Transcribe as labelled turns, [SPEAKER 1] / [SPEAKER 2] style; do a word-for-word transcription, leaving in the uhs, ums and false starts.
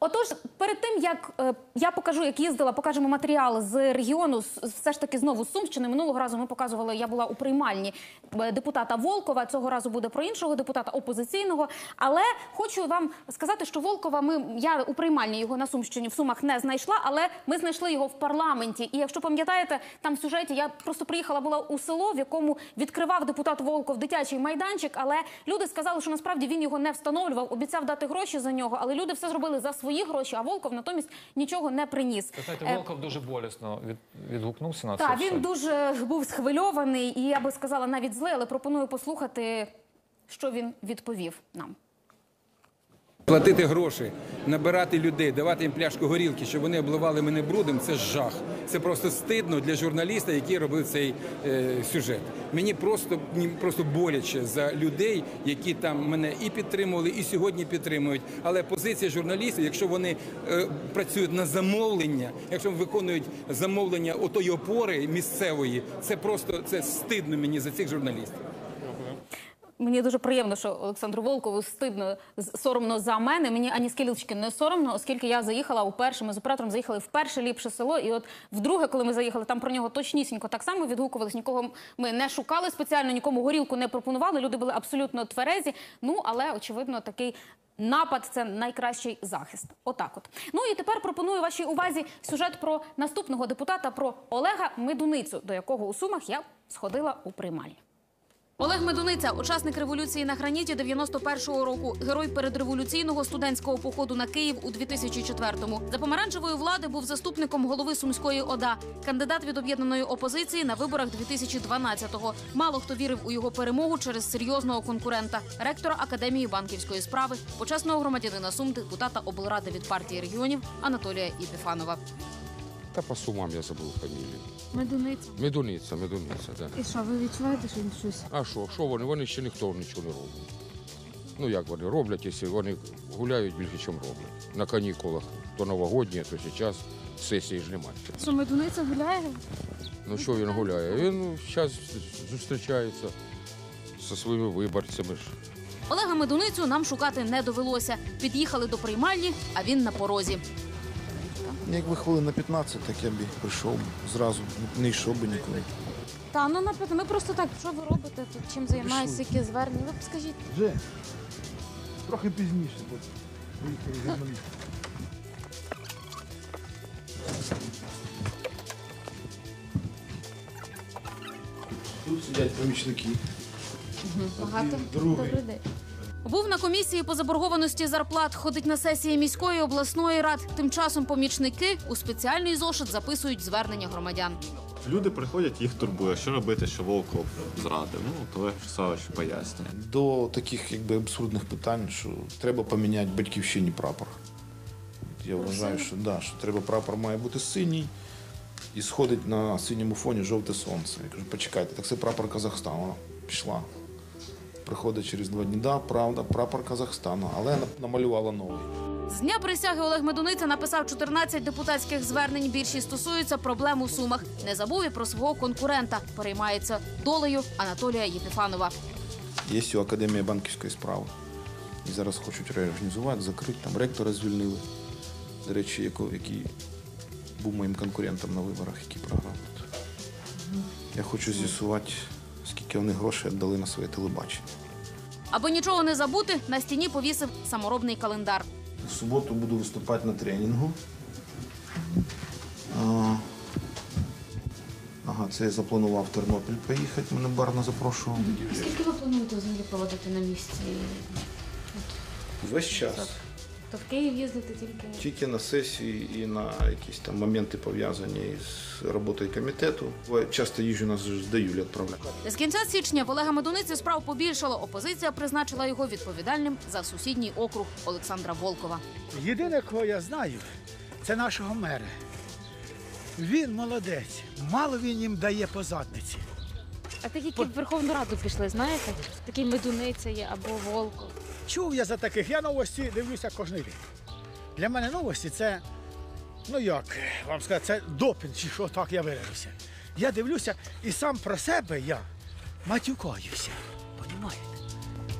[SPEAKER 1] Отож, перед тим, як е, я покажу, як їздила, покажемо матеріал з регіону, з, все ж таки знову з Сумщини. Минулого разу ми показували, я була у приймальні депутата Волкова, цього разу буде про іншого депутата опозиційного. Але хочу вам сказати, що Волкова, ми, я у приймальні його на Сумщині, в Сумах не знайшла, але ми знайшли його в парламенті. І якщо пам'ятаєте, там в сюжеті я просто приїхала, була у село, в якому відкривав депутат Волков дитячий майданчик, але люди сказали, що насправді він його не встановлював, обіцяв дати гроші за нього, але люди все зробили за свої гроші, а Волков натомість нічого не приніс.
[SPEAKER 2] Ви знаєте, Волков дуже болісно від, відгукнувся на це.
[SPEAKER 1] Так,
[SPEAKER 2] все.
[SPEAKER 1] він дуже був схвильований і, я би сказала, навіть злий, але пропоную послухати, що він відповів нам.
[SPEAKER 3] Платити гроші, набирати людей, давати їм пляшку горілки, щоб вони обливали мене брудом – це жах. Це просто стидно для журналіста, який робив цей е, сюжет. Мені просто, мені просто боляче за людей, які там мене і підтримували, і сьогодні підтримують. Але позиція журналістів, якщо вони е, працюють на замовлення, якщо виконують замовлення отої опори місцевої, це просто це стидно мені за цих журналістів.
[SPEAKER 1] Мені дуже приємно, що Олександру Волкову стидно, соромно за мене. Мені ані скілечки не соромно, оскільки я заїхала уперше, ми з оператором заїхали в перше ліпше село. І от вдруге, коли ми заїхали, там про нього точнісінько так само відгукувались. Нікого ми не шукали спеціально, нікому горілку не пропонували. Люди були абсолютно тверезі. Ну, але, очевидно, такий напад – це найкращий захист. Отак от. Ну і тепер пропоную вашій увазі сюжет про наступного депутата, про Олега Медуницю, до якого у Сумах я сходила у приймальні. Олег Медуниця – учасник революції на граніті дев'яносто першого року, герой передреволюційного студентського походу на Київ у дві тисячі четвертому. За помаранчевої влади був заступником голови Сумської ОДА, кандидат від об'єднаної опозиції на виборах дві тисячі дванадцятого. Мало хто вірив у його перемогу через серйозного конкурента – ректора Академії банківської справи, почесного громадянина Сум, депутата облради від партії регіонів Анатолія Єпіфанова.
[SPEAKER 4] Та по Сумам я забув фамілію.
[SPEAKER 5] Медуниця.
[SPEAKER 4] Медуниця, Медуниця, так.
[SPEAKER 5] І що, ви відчуваєте, що він щось?
[SPEAKER 4] А що, що вони? Вони ще ніхто нічого не робить. Ну як вони роблять, якщо вони гуляють більше, ніж роблять. На канікулах, то новогодні, то зараз сесії ж немає.
[SPEAKER 5] Що, Медуниця гуляє?
[SPEAKER 4] Ну що він гуляє? Він зараз зустрічається зі своїми виборцями.
[SPEAKER 1] Олега Медуницю нам шукати не довелося. Під'їхали до приймальні, а він на порозі.
[SPEAKER 6] Якби хвилин на п'ятнадцять, так я б прийшов зразу, не йшов би нікуди.
[SPEAKER 5] Та, ну, наприклад, ми просто так, що ви робите тут, чим займаєтеся, які звернення, ви б скажіть.
[SPEAKER 6] Вже, трохи пізніше, бо приїхали журналісти. Тут сидять помічники.
[SPEAKER 5] Багато.
[SPEAKER 6] Другий.
[SPEAKER 5] Добрий день.
[SPEAKER 1] Був на комісії по заборгованості зарплат, ходить на сесії міської, обласної рад. Тим часом помічники у спеціальний зошит записують звернення громадян.
[SPEAKER 7] Люди приходять, їх турбує, що робити, що Волков зрадив. Ну, Олег Савич пояснює.
[SPEAKER 6] До таких якби абсурдних питань, що треба поміняти батьківщині прапор. Я вважаю, що, да, що треба прапор має бути синій і сходить на синьому фоні жовте сонце. Я кажу, почекайте, так це прапор Казахстану. Вона пішла. Приходить через два дні, да, правда, прапор Казахстану, але намалювала новий.
[SPEAKER 1] З дня присяги Олег Медуниця написав чотирнадцять депутатських звернень. Більшість стосуються проблем у Сумах. Не забув і про свого конкурента. Переймається долею Анатолія Єпіфанова.
[SPEAKER 6] Є у Академії банківської справи. І зараз хочуть реорганізувати, закрити. Там ректора звільнили. До речі, який був моїм конкурентом на виборах, який програв. Я хочу з'ясувати, скільки вони грошей віддали на своє телебачення.
[SPEAKER 1] Аби нічого не забути, на стіні повісив саморобний календар.
[SPEAKER 6] В суботу буду виступати на тренінгу. А, ага, це я запланував в Тернопіль поїхати, мене Барна запрошував.
[SPEAKER 5] Скільки ви плануєте взагалі проводити на місці?
[SPEAKER 6] Весь час.
[SPEAKER 5] То в Київ їздити тільки?
[SPEAKER 6] Тільки на сесії і на якісь там моменти пов'язані з роботою комітету. Часто їжджу, нас з Юлі відправляють.
[SPEAKER 1] З кінця січня в Олега Медуниці справ побільшало. Опозиція призначила його відповідальним за сусідній округ Олександра Волкова.
[SPEAKER 8] Єдине, кого я знаю, це нашого мера. Він молодець. Мало він їм дає по задниці.
[SPEAKER 5] А такі, які в Верховну Раду пішли, знаєте? Такий Медуниця є або Волков.
[SPEAKER 8] Чув я за таких. Я новості дивлюся кожен день. Для мене новості – це, ну як вам сказати, це допінг, чи що так я виражуся. Я дивлюся і сам про себе я матюкаюся. Понімаєте?